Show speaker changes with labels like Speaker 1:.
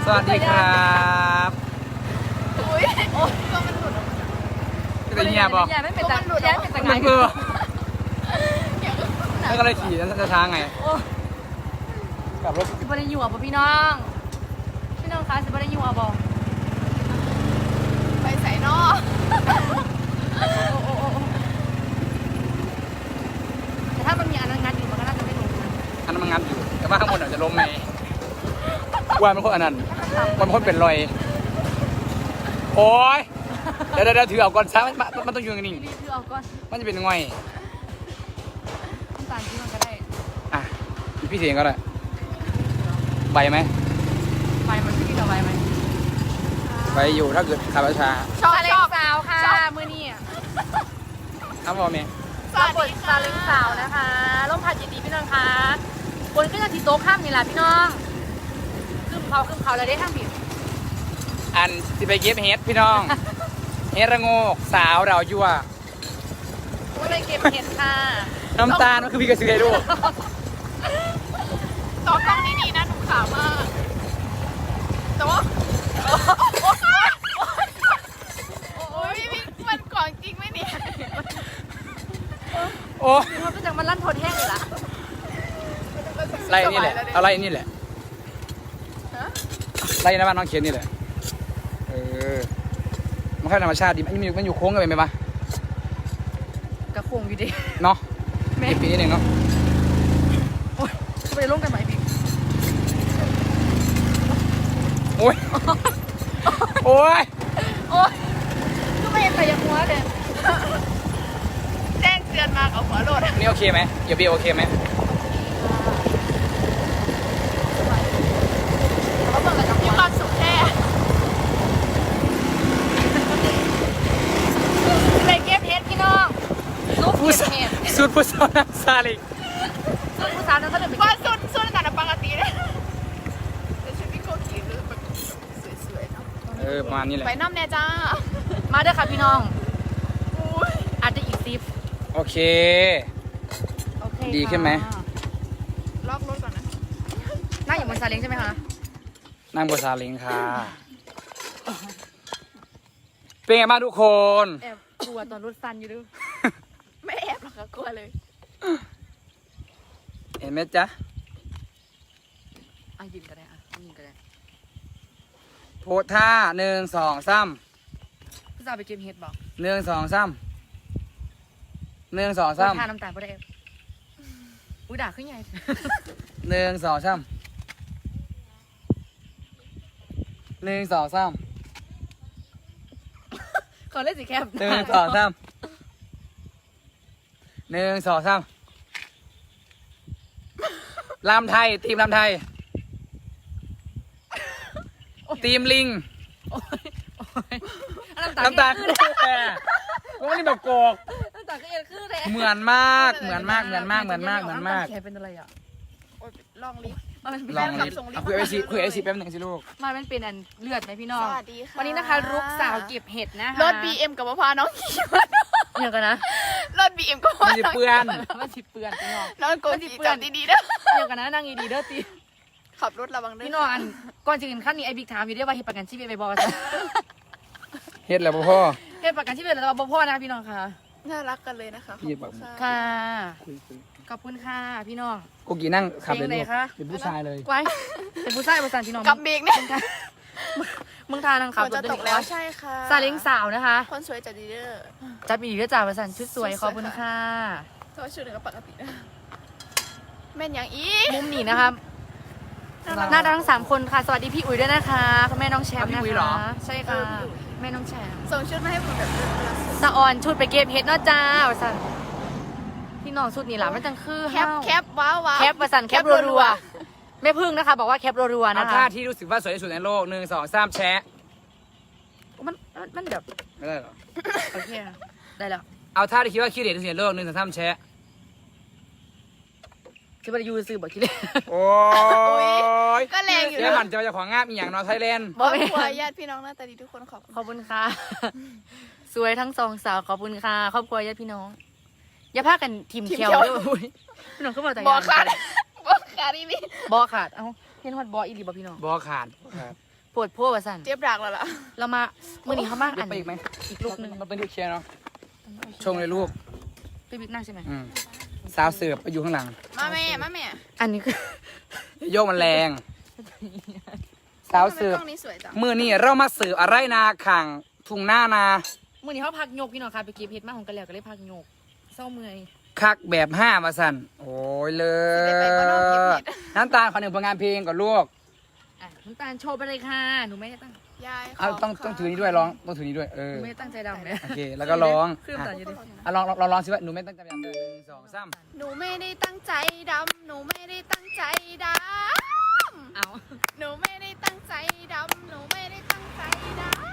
Speaker 1: สวัสดีครับ
Speaker 2: อุ้ยก็มันหลุดออกมา
Speaker 1: จะเงียบบอก
Speaker 3: ไม่เป็นแต่แย่เป็นแต่ไง
Speaker 1: มันคือแล้วก็เลยขี่แล้วจะช้าไงกลับรถ
Speaker 3: สิบได้อยู่อ่ะพี่น้องคะสิบได้อยู่อ่ะบอก
Speaker 2: ไปใส่นอ
Speaker 3: แต่ถ้ามันมีอันนั้นงัดอยู่มันก็น่าจะไม่ลงนะ
Speaker 1: อันนั้นมันงัดอยู่แต่ว่าข้างบนอาจจะล้มไหมว่ามันคนอันนั้นมันคนเป็นรอยโอ้ยเดี๋ยวถือเอาก่อนซะมันต้องอยู่นิ่ง
Speaker 3: รีบเอาก่อน
Speaker 1: มันจะเป็นง่อย
Speaker 3: น้ำตาลที่มันก็ได้
Speaker 1: อ่ะพี่เสียงก็ได้ใบไหม
Speaker 3: ไฟมันพี่กับไฟไหม
Speaker 1: ใบอยู่ถ้าเกิดขับช้า
Speaker 2: ชอบ
Speaker 3: ซาเล้
Speaker 2: ช
Speaker 3: ง
Speaker 2: อบ
Speaker 3: สาวค่ะมือนี่
Speaker 1: ครับพ่อแม่
Speaker 2: สวัส
Speaker 3: บ
Speaker 2: ดี
Speaker 3: ท
Speaker 2: ค่ะ
Speaker 3: ซาเล้งสาวนะคะร่มพัดยินดีพี่น้องคะบนขึ้นจากที่โต๊ะข้ามนี่แหละพี่น้องขึ้นเขาเลยได้ทั้งผิด
Speaker 1: อันสิไปเก็บเฮ็ดพี่น้อง เฮ็ดระโงกสาวเรายั่ว
Speaker 3: ก็เลยเก็บเห็ดค่ะ
Speaker 1: น้ำตาลก็คือพี่กระสือให้ลูก
Speaker 2: ต่อกล้องนี้ดีนะหนูขาวมากแต่ว่าโอ้ยมันกล่องจริงไหมเนี่ย
Speaker 1: โอ้
Speaker 3: มันก็จะมันลั่นทนแห้งอยู่ละ
Speaker 1: ไล่นี่แหละเอาไล่นี่แหละไล่หน้าบ้านน้องเขียนนี่แหละมันแค่ธรรมชาติดีมันอยู่โค้งกันไปไหมปะ
Speaker 3: กระโคงอยู่ดิ
Speaker 1: เนาะเก็บปีนิดนึงเนาะ
Speaker 3: โอ้ยจะไปลงกันไหมพี่
Speaker 1: โอ้ยโอ้ย
Speaker 3: โอ้ยก็ไม่เห็นแต่ยังหัวเลย
Speaker 2: แจ้งเตือนมากับหัวโหลด
Speaker 1: นี่โอเคไหมเดี๋ยวบีโอเคไหม
Speaker 3: เขาเปิดกับ
Speaker 2: มี
Speaker 3: หัว
Speaker 2: ความสุขแค่
Speaker 3: เลยเก็บเห็ดพี่น้องลูกเก็บเห็ด
Speaker 1: สุดผู้สาวซาลิก
Speaker 3: ลูกผู้สาวนั้นก็เลยไป
Speaker 2: ว่า
Speaker 3: เก็บ
Speaker 2: สุดแต่ปกติเลยแต่ชุดพี่โกกีหรือแบบสวยๆเนาะ
Speaker 1: ประมาณนี้แหละ
Speaker 2: ไปน้ำแน่จ้า
Speaker 3: มาเด้อค่ะพี่น้อง
Speaker 2: อุ้ย
Speaker 3: อาจจะอีก10
Speaker 1: โอเค
Speaker 3: โอเค
Speaker 1: ดีขึ้นไหม
Speaker 2: ล็อกรถก่อนนะ
Speaker 3: นั่งอยู่บนซาเล้งใช่ไหมคะ
Speaker 1: นั่งบนซาเล้งค่ะเป็นไงบ้างทุกคน
Speaker 3: แอบกลัวตอนรถสั่นอยู่ด้วย
Speaker 2: ไม่แอบหรอกค่ะกลัวเลย
Speaker 1: เห็นไหมจ๊ะ
Speaker 3: ยินก็ได้ยินก็ได้
Speaker 1: โพสท่า1 2 3
Speaker 3: ผู้สาวไปเก็บเห็ดบอก
Speaker 1: 1 2 3 1 2
Speaker 3: ทา
Speaker 1: 3
Speaker 3: น้ำตาลก็ได้อุ้ยด่าขึ้นใหญ่
Speaker 1: 1 2 3 1 2 3
Speaker 3: เขาเล่นสีแคบ
Speaker 1: 1 2 3 1 2 3ลำไทยทีมลำไทยทีมลิง
Speaker 3: น้ำตาล
Speaker 1: น้ำตาลคือแค่ก็ไม่ได้แบบโกก
Speaker 3: น้ำตาลก็เอ็นคือเลย
Speaker 1: เหมือนมากเหมือนมากเหมือนมากเหมือนมากเหมือนมาก
Speaker 3: แขนเป็นอะไรอ่ะ
Speaker 2: โอ้ยลองลิฟต์
Speaker 1: ลองลิฟต์คุยไอซีคุยไอซีแป๊บหนึ่งสิลูก
Speaker 3: มันเป็นอันเลือดไหมพี่น้อง
Speaker 2: สวัสดีค่ะ
Speaker 3: วันนี้นะคะรุกสาวเก็บเห็ดนะคะ
Speaker 2: รถ BM กับพาน้องขี่มา
Speaker 3: เดี๋ยวกันนะ
Speaker 2: รถ BM ก็พา
Speaker 1: มันจะ
Speaker 2: น้อง
Speaker 1: เปื้อน
Speaker 3: มันสิเปื่อนพี่น้อง
Speaker 2: น้องโกกีจอดดีๆเด้อ
Speaker 3: เดี๋ยวกันนะนั่งดีๆเด้อตี
Speaker 2: ขับรถระวังเด้อ
Speaker 3: พี่น้องอันก่อนจะขึ้นขั้นนี้ไอ้บิ๊กถามอยู่ด้วยว่าเห็ดประกันชีวิตไปบอกว่า
Speaker 1: เฮ็ดแล้วพ่อ
Speaker 3: เห็ดประกันชีวิตแล้วบอกพ่อนะพี่น้องค่ะ
Speaker 2: น่ารักกันเลยนะคะ
Speaker 1: พี่บอก
Speaker 3: ค่ะ
Speaker 1: คุย
Speaker 3: ขอบคุณค่ะพี่น้อง
Speaker 1: กูกี่นั่งขับเลย
Speaker 3: เพลง
Speaker 1: ลู
Speaker 3: ไหน
Speaker 1: ก
Speaker 3: คะ
Speaker 1: เป็นผู้ชายเลย
Speaker 3: ไว้เป็นผู้ชายประสานพี่น้อง
Speaker 2: กับเบรกเนี่ย
Speaker 3: มึงทานังขับ
Speaker 2: ฝนจะตกแล้วใช่ค่ะ
Speaker 3: ซาเล้งสาวนะคะ
Speaker 2: คนสวยจัดดีเด้อ
Speaker 3: จัดมีก็จ่าประสานชุดสวยขอบคุณค่ะ
Speaker 2: แต่ว่าชุดหนึ่งก็ปกตินะแม่นยังอีก
Speaker 3: มุมนี้นะคะน่ารักทั้ง3คนค่ะสวัสดีพี่อุ๋ยด้วยนะคะคุณแม่น้องแชมป์นะคะใช่ค่ะแม่น้องแชมป์
Speaker 2: ส่งชุดมาให้ผมแบบ
Speaker 3: สะออนชุดไปเก็บเห็ดเนาะจ้าประสานพี่น้องชุดนี้หล่ะมันจังคือ
Speaker 2: แคปแคปว้าวว้าว
Speaker 3: แคปประสานแคปรัวๆแม่พึ่งนะคะ บอกว่าแคปรัวๆ
Speaker 1: เอา
Speaker 3: นะคะ
Speaker 1: ท่าที่รู้สึกว่าสวยที่สุดในโลก1 2 3แชะ
Speaker 3: มันแบบ
Speaker 1: ไม่ได้หรอ
Speaker 3: โอเคได้แล้ว
Speaker 1: เอาท่าที่คิดว่าขี้เหร่ที่สุดในโลก1 2 3แชะ
Speaker 3: จะไปยูซื้อบอกคิดเลย
Speaker 1: โอ้ย
Speaker 2: ก็แรงอยู่
Speaker 1: เดี๋ยว
Speaker 2: นะ
Speaker 1: มันจะมาจากของงาบอีกอย่างนอไทยแลนด์
Speaker 2: ครอบครัวญาติพี่น้องหน้าตาดีทุกคนขอบคุณ
Speaker 3: ขอบคุณค่ะ สวยทั้งสองสาวขอบคุณค่ะครอบครัวญาติพี่น้อง อย่าพากันทีมเคียวด้วยอุ๊ยพี่น้องก็บอกแต่
Speaker 2: บอกขาดบอกขาดอีนี่
Speaker 3: บอขาดเอ้าเห็นฮอดบออีหลีบอกพี่น้อง
Speaker 1: บอขาด
Speaker 3: ปวดโพว่าสั่น
Speaker 2: เจ็บดักแล้วล่ะ
Speaker 3: เรามามื่อนี้เขามาก
Speaker 1: ได้
Speaker 3: อัน
Speaker 1: ไปอีกไหม
Speaker 3: อีกลูกหนึง
Speaker 1: มันเป็นลูกเชียร์เนาะชงเลยลูก
Speaker 3: ไปบิ๊กนั่งใช่ไหม
Speaker 1: สาวเสิร์ฟไปอยู่ข้างหลัง
Speaker 2: มาแม่มาแม่
Speaker 3: อันนี้คือ
Speaker 1: โยกมันแรงสาวเสิร์ฟ
Speaker 2: กล้องนี้สวยจัง
Speaker 1: มือนี่เรามาเสิร์ฟอะไรนาขังทุ่งหน้านา
Speaker 3: มื่อนี้เขาพักโยกพี่น้องค่ะไปเก็บเห็ดมาของกันแล้วก็เลยพักโยกเศร้าเมื่อย
Speaker 1: คักแบบ5มาสั่นโอ้ยเล
Speaker 2: สิได้ไปบ่นอกเก็บ
Speaker 1: ย
Speaker 2: เห็ด
Speaker 1: น้ำตาลขอหนึ่งผลงานเพลงก่อนลูก
Speaker 3: อ่ะน้ำตาลโชว์ไปเลยค่ะหนูไม่ได้ตั้ง
Speaker 2: ยาย
Speaker 1: เอาต้องถือนี้ด้วยร้องต้องถือนี้ด้วย
Speaker 3: หนูไม่ได้ตั้งใจดำเลย
Speaker 1: โอเคแล้วก็ร้อง
Speaker 3: คือน้ำตาลอยู่ดิ
Speaker 1: ลองสิว่าหนูไม่ตั้งใจดำเลย1 2 3
Speaker 2: หนูไม่ได้ตั้งใจดำหนูไม่ได้ตั้งใจด
Speaker 3: เอา
Speaker 2: ำหนูไม่ได้ตั้งใจดำหนูไม่ได้ตั้งใจดำ